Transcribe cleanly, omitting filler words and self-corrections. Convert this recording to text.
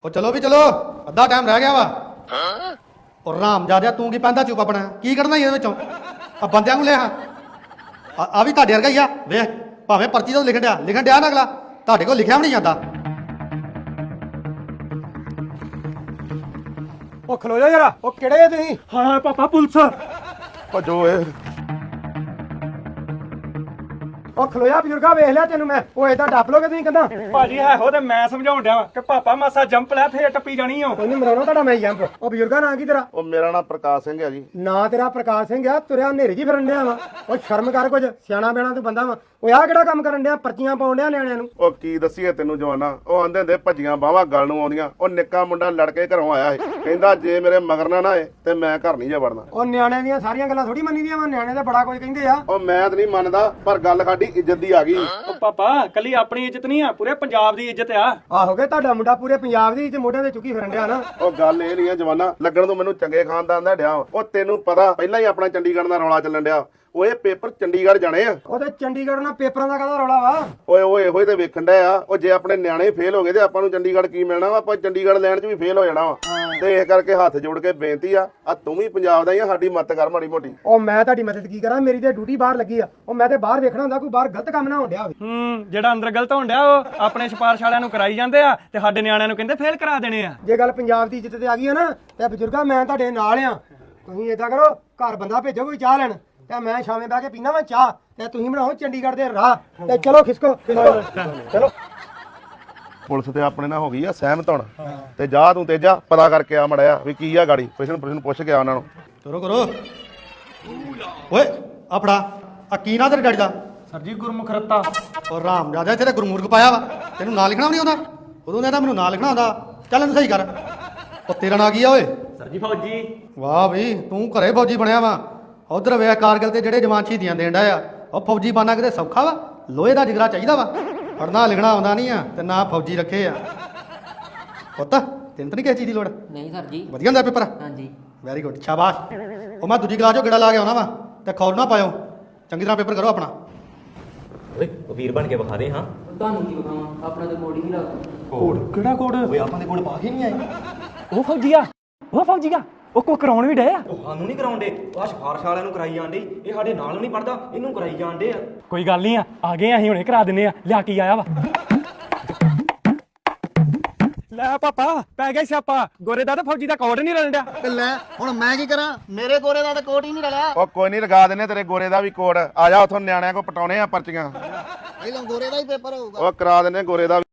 ਉਹ ਚਲੋ ਵੀ ਚਲੋ ਅੱਧਾ ਟਾਈਮ ਰਹਿ ਗਿਆ ਵਾ ਉਹ ਰਾਮ ਜਾਦਿਆ ਤੂੰ ਕੀ ਪੈਂਦਾ ਚੁੱਪ ਆਪਣਾ ਕੀ ਕਰਨਾ ਇਹਦੇ ਵਿੱਚੋਂ ਆ ਬੰਦਿਆਂ ਨੂੰ ਲੈ ਆ ਵੀ ਤੁਹਾਡੇ ਵਰਗਾ ਹੀ ਆ ਵੇਖ ਭਾਵੇਂ ਪਰਚੀ ਤੋਂ ਲਿਖਣ ਡਿਆ ਨਾ ਅਗਲਾ ਤੁਹਾਡੇ ਕੋਲ ਲਿਖਿਆ ਵੀ ਨਹੀਂ ਜਾਂਦਾ। ਉਹ ਖਲੋ ਜਾ ਜਰਾ ਉਹ ਕਿਹੜੇ ਆ ਤੁਸੀਂ? ਹਾਂ ਪਾਪਾ ਪੁਲਿਸ ਭੱਜੋ ਏ ਉਹ ਖਲੋ ਜਾ ਬਜ਼ੁਰਗਾ ਵੇਖ ਲਿਆ ਤੈਨੂੰ ਮੈਂ ਉਹ ਏਦਾਂ ਡੱਪ ਲੋਗੇ ਤੁਸੀਂ ਕਹਿੰਦਾ ਭਾਜੀ ਹੈ ਹੋ ਤੇ ਮੈਂ ਸਮਝਾਉਣ ਡਿਆ ਕਿ ਪਾਪਾ ਮਾਸਾ ਜੰਪ ਲੈ ਫੇਰ ਟੱਪੀ ਜਾਣੀ ਓ। ਕੋਈ ਨਹੀਂ ਮਰਾਉਣਾ ਤੁਹਾਡਾ ਮੈਂ ਜੰਪ। ਉਹ ਬਜ਼ੁਰਗਾ ਨਾਂ ਕੀ ਤੇਰਾ? ਉਹ ਮੇਰਾ ਨਾਮ ਪ੍ਰਕਾਸ਼ ਸਿੰਘ ਹੈ ਜੀ। ਨਾਂ ਤੇਰਾ ਪ੍ਰਕਾਸ਼ ਸਿੰਘ ਆ ਤੁਰਿਆ ਹਨੇਰੇ ਜੀ ਫਿਰਨ ਡਿਆ ਵਾ ਉਹ ਸ਼ਰਮ ਕਰ ਕੁਝ ਸਿਆਣਾ ਬੈਣਾ ਤੂੰ ਬੰਦਾ ਵਾ ਉਹ ਆਹ ਕਿਹੜਾ ਕੰਮ ਕਰਨ ਡਿਆ ਪਰਚੀਆਂ ਪਾਉਣ ਡਿਆ ਨਿਆਣਿਆਂ ਨੂੰ। ਉਹ ਕੀ ਦੱਸੀਏ ਤੈਨੂੰ ਜਵਾਨਾ ਉਹ ਆਂਦੇ ਹੁੰਦੇ ਭੱਜੀਆਂ ਬਾਹਾਂ ਗੱਲ ਨੂੰ ਆਉਂਦੀਆਂ। ਉਹ ਨਿੱਕਾ ਮੁੰਡਾ ਲੜ ਕੇ ਘਰੋਂ ਆਇਆ ਸੀ ਕਹਿੰਦਾ ਜੇ ਮੇਰੇ ਮਗਰ ਨਾ ਆਏ ਤੇ ਮੈਂ ਘਰ ਨਹੀਂ ਜਾ ਵੜਨਾ। ਉਹ ਨਿਆਣਿਆਂ ਦੀਆਂ ਸਾਰੀਆਂ ਗੱਲਾਂ ਥੋੜੀ ਮੰਨੀ ਦੀਆਂ ਵਾ ਨਿਆਣੇ ਤਾਂ ਬੜਾ ਕੁਝ ਕਹਿੰਦੇ ਆ। ਉਹ ਮੈਂ ਤਾਂ ਨਹੀਂ ਮੰਨਦਾ ਪਰ ਗੱਲ ਸਾਡੀ ਇੱਜ਼ਤ ਦੀ ਆ ਗਈ। ਉਹ ਪਾਪਾ ਕੱਲੀ ਆਪਣੀ ਇੱਜ਼ਤ ਨਹੀਂ ਆ ਪੂਰੇ ਪੰਜਾਬ ਦੀ ਇੱਜ਼ਤ ਆ। ਆਹੋਗੇ ਤੁਹਾਡਾ ਮੁੰਡਾ ਪੂਰੇ ਪੰਜਾਬ ਦੀ ਤੇ ਮੋਢਿਆਂ ਤੇ ਚੁੱਕੀ ਫਿਰਨ ਡਿਆ ਨਾ। ਉਹ ਗੱਲ ਇਹ ਨਹੀਂ ਆ ਜਵਾਨਾ ਲੱਗਣ ਤੋਂ ਮੈਨੂੰ ਚੰਗੇ ਖਾਨਦਾਨ ਦਾ ਡਿਆ। ਉਹ ਤੈਨੂੰ ਪਤਾ ਪਹਿਲਾਂ ਹੀ ਆਪਣਾ ਚੰਡੀਗੜ੍ਹ ਦਾ ਰੌਲਾ ਚੱਲਣ ਡਿਆ। ਉਹ ਇਹ ਪੇਪਰ ਚੰਡੀਗੜ੍ਹ ਜਾਣੇ ਆ। ਉਹਦੇ ਚੰਡੀਗੜ੍ਹ ਨਾਲ ਪੇਪਰਾਂ ਦਾ ਕਾਹਦਾ ਰੌਲਾ ਵਾ? ਓਏ ਓਏ ਇਹੋ ਹੀ ਤੇ ਵੇਖਣ ਡਿਆ ਆ। ਉਹ ਜੇ ਆਪਣੇ ਨਿਆਣੇ ਫੇਲ ਹੋ ਗਏ ਤੇ ਆਪਾਂ ਨੂੰ ਚੰਡੀਗੜ੍ਹ ਕੀ ਮਿਲਣਾ ਵਾ? ਆਪਾਂ ਚੰਡੀਗੜ੍ਹ ਲੈਣ 'ਚ ਵੀ ਫੇਲ ਹੋ ਜਾਣਾ ਵਾ। ਤੇ ਇਸ ਕਰਕੇ ਹੱਥ ਜੋੜ ਕੇ ਬੇਨਤੀ ਆ ਤੂੰ ਵੀ ਪੰਜਾਬ ਦਾ ਹੀ ਆ ਸਾਡੀ ਮਦਦ ਕਰ ਮਾੜੀ ਮੋਟੀ। ਉਹ ਮੈਂ ਤੁਹਾਡੀ ਮਦਦ ਕੀ ਕਰਾਂ ਮੇਰੀ ਤੇ ਡਿਊਟੀ ਬਾਹਰ ਲੱਗੀ ਆ। ਉਹ ਮੈਂ ਤੇ ਬਾਹਰ ਵੇਖਣਾ ਹੁੰਦਾ ਕੋਈ ਬਾਹਰ ਗਲਤ ਕੰਮ ਨਾ ਹੋਣ ਡਿਆ ਹੋਵੇ। ਜਿਹੜਾ ਅੰਦਰ ਗਲਤ ਹੋਣ ਡਿਆ ਉਹ ਆਪਣੇ ਸਿਫਾਰਿਸ਼ ਵਾਲਿਆਂ ਨੂੰ ਕਰਾਈ ਜਾਂਦੇ ਆ ਤੇ ਸਾਡੇ ਨਿਆਣਿਆਂ ਨੂੰ ਕਹਿੰਦੇ ਫੇਲ ਕਰਾ ਦੇਣੇ ਆ। ਜੇ ਗੱਲ ਪੰਜਾਬ ਦੀ ਇੱਜ਼ਤ ਤੇ ਆ ਗਈ ਆ ਨਾ ਤੇ ਬਜ਼ੁਰਗਾ ਮੈਂ ਤੁਹਾਡੇ ਨਾਲ ਆ। ਤੁਸੀਂ ਏਦਾਂ ਕਰੋ ਘਰ ਬੰਦਾ ਭੇਜੋ ਕੋਈ ਚਾਹ ਲੈਣ ਤੇ ਮੈਂ ਸ਼ਾਮੇ ਬਹਿ ਕੇ ਪੀਣਾ ਵਾ ਚਾਹ ਤੇ ਤੁਸੀਂ ਬਣਾਓ ਚੰਡੀਗੜ੍ਹ ਦੇ ਰਾਹ ਤੇ ਚਲੋ ਖਿਸਕੋ ਚਲੋ। ਪੁਲਿਸ ਤੇ ਆਪਣੇ ਨਾਲ ਹੋ ਗਈ ਆ ਸਹਿਮਤ ਹੁਣ ਤੇ ਜਾ ਤੂੰ ਤੇਜਾ ਪਤਾ ਕਰਕੇ ਆ ਮੜਿਆ ਵੀ ਕੀ ਆ ਗਾੜੀ ਪ੍ਰਸ਼ਨ ਪੁੱਛ ਕੇ ਆ ਉਹਨਾਂ ਨੂੰ। ਕਰੋ ਓਏ ਆਪੜਾ ਆ ਕੀ ਨਾ ਤੇਰੇ ਡੈਡੀ ਦਾ? ਸਰ ਜੀ ਗੁਰਮੁਖ ਰੱਤਾ। ਉਹ ਰਾਮ ਜਾਦਿਆ ਤੇਰੇ ਗੁਰਮੂਰਖ ਪਾਇਆ ਵਾ ਤੈਨੂੰ ਨਾਂ ਲਿਖਣਾ ਵੀ ਨਹੀਂ ਆਉਂਦਾ? ਉਦੋਂ ਕਹਿੰਦਾ ਮੈਨੂੰ ਨਾਂ ਲਿਖਣਾ ਆਉਂਦਾ। ਚੱਲ ਇਹਨੂੰ ਸਹੀ ਕਰ। ਉਹ ਤੇਰਾ ਨਾਂ ਕੀ ਆ ਓਏ? ਸਰ ਜੀ ਫੌਜੀ। ਵਾਹ ਬਈ ਤੂੰ ਘਰੇ ਫੌਜੀ ਬਣਿਆ ਵਾ। ਉਧਰ ਵੇਖ ਕਾਰਗਿਲ ਤੇ ਜਿਹੜੇ ਜਵਾਨ ਸ਼ਹੀਦੀਆਂ ਦੇਣ ਡਿਆ ਆ ਉਹ ਫੌਜੀ ਬਾਨਾ ਕਿਤੇ ਸੌਖਾ ਵਾ? ਲੋਹੇ ਦਾ ਜਿਗਰਾ ਚਾਹੀਦਾ ਵਾ। ਪੜ੍ਹਨਾ ਲਿਖਣਾ ਆਉਂਦਾ ਨਹੀਂ ਆ ਤੇ ਨਾ ਫੌਜੀ ਰੱਖੇ ਆ। ਪੁੱਤ ਤੈਨੂੰ ਤਾਂ ਨਹੀਂ ਕਿਸੇ ਚੀਜ਼ ਦੀ ਲੋੜ? ਨਹੀਂ ਸਰ ਜੀ। ਵਧੀਆ ਹੁੰਦਾ ਪੇਪਰ? ਹਾਂਜੀ। ਵੈਰੀ ਗੁੱਡ ਸ਼ਾਬਾਸ਼। ਉਹ ਮੈਂ ਦੂਜੀ ਕਲਾਸ ਚੋਂ ਗੇੜਾ ਲਾ ਕੇ ਆਉਣਾ ਵਾ ਤੇ ਖੌਲ ਨਾ ਪਾਇਓ। ਚੰਗੀ ਤਰ੍ਹਾਂ ਪੇਪਰ ਕਰੋ ਆਪਣਾ। ਓਏ ਉਹ ਵੀਰ ਬਣ ਕੇ ਵਿਖਾ ਦੇ। ਹਾਂ ਤੁਹਾਨੂੰ ਕੀ ਬਖਾਵਾਂ ਆਪਣਾ ਤੇ ਮੋੜ ਹੀ ਨਹੀਂ ਲੱਗਦਾ। ਕੋਡ ਕਿਹੜਾ ਕੋਡ? ਓਏ ਆਪਾਂ ਦੇ ਕੋਲ ਪਾ ਕੇ ਨਹੀਂ ਆਏ। ਉਹ ਫੌਜੀ ਆ ਉਹ ਫੌਜੀ ਆ ਉਹ ਕੋ ਕਰਾਉਣ ਵੀ ਡਏ ਆ। ਉਹ ਸਾਨੂੰ ਨਹੀਂ ਕਰਾਉਂਦੇ ਆਹ ਸਿਫਾਰਿਸ਼ ਵਾਲਿਆਂ ਨੂੰ ਕਰਾਈ ਜਾਂਦੇ। ਇਹ ਸਾਡੇ ਨਾਲ ਨਹੀਂ ਪੜਦਾ ਇਹਨੂੰ ਕਰਾਈ ਜਾਂਦੇ ਆ। ਕੋਈ ਗੱਲ ਨਹੀਂ ਆ ਗਏ ਅਸੀਂ ਹੁਣੇ ਕਰਾ ਦਿੰਨੇ ਆ। ਲਿਆ ਕੀ ਆਇਆ ਵਾ? ਲੈ ਪਾਪਾ ਪੈ ਗਿਆ ਸਿਆਪਾ। ਗੋਰੇ ਦਾ ਤੇ ਫੌਜੀ ਦਾ ਕੋਡ ਨਹੀਂ ਰਲਣ ਡਿਆ। ਲੈ ਹੁਣ ਮੈਂ ਕੀ ਕਰਾਂ ਮੇਰੇ ਗੋਰੇ ਦਾ ਤਾਂ ਕੋਟ ਹੀ ਨਹੀਂ ਰਲਿਆ। ਉਹ ਕੋਈ ਨਹੀਂ ਲਗਾ ਦਿੰਨੇ ਤੇਰੇ ਗੋਰੇ ਦਾ ਵੀ ਕੋਡ। ਆ ਜਾ ਉਥੋਂ ਨਿਆਣਿਆਂ ਕੋ ਪਟਾਉਣੇ ਆ ਪਰਚੀਆਂ। ਪਹਿਲਾਂ ਗੋਰੇ ਦਾ ਹੀ ਪੇਪਰ ਹੋਊਗਾ। ਉਹ ਕਰਾ ਦਿੰਨੇ ਗੋਰੇ ਦਾ।